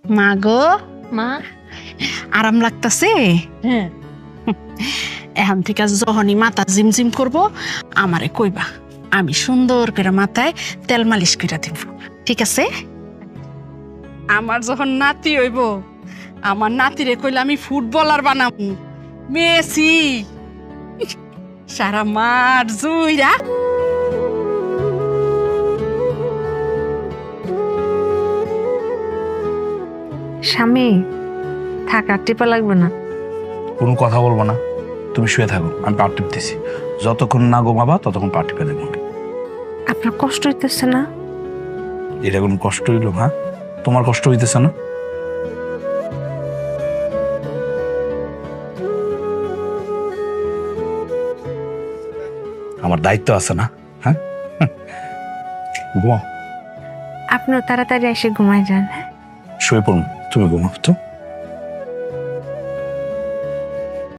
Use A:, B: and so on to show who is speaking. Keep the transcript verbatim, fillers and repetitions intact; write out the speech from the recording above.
A: মা গো,
B: মা।
A: আরাম লাগতাছে?
B: হ্যাঁ।
A: এখন থেকে যখনই মাথা জিমজিম করব আমারে কইবা, আমি সুন্দর করে মাথায় তেল মালিশ করে দিব, ঠিক আছে? আমার যখন নাতি হইব, আমার নাতিরে কইলে আমি ফুটবলার বানাবো, মেসি। সারা মাঠ জুইরা।
B: স্বামী, থাক আর টিপা লাগবে না।
C: কোনো কথা বলবো না, তুমি শুয়ে থাকো, আমি পা টিপতেছি। যতক্ষণ না ঘুমাবা ততক্ষণ পা টিপে দেবো।
B: আপনার কষ্ট হইতেছে না?
C: এটা কোনো কষ্ট হইলো? হ্যাঁ, তোমার কষ্ট হইতেছে না? আমার দায়িত্ব আছে না? হ্যাঁ, ঘুমাও।
B: আপনিও তাড়াতাড়ি এসে ঘুমায় যান।
C: শুয়ে পড়ুন, তুমি ঘুমাও তো।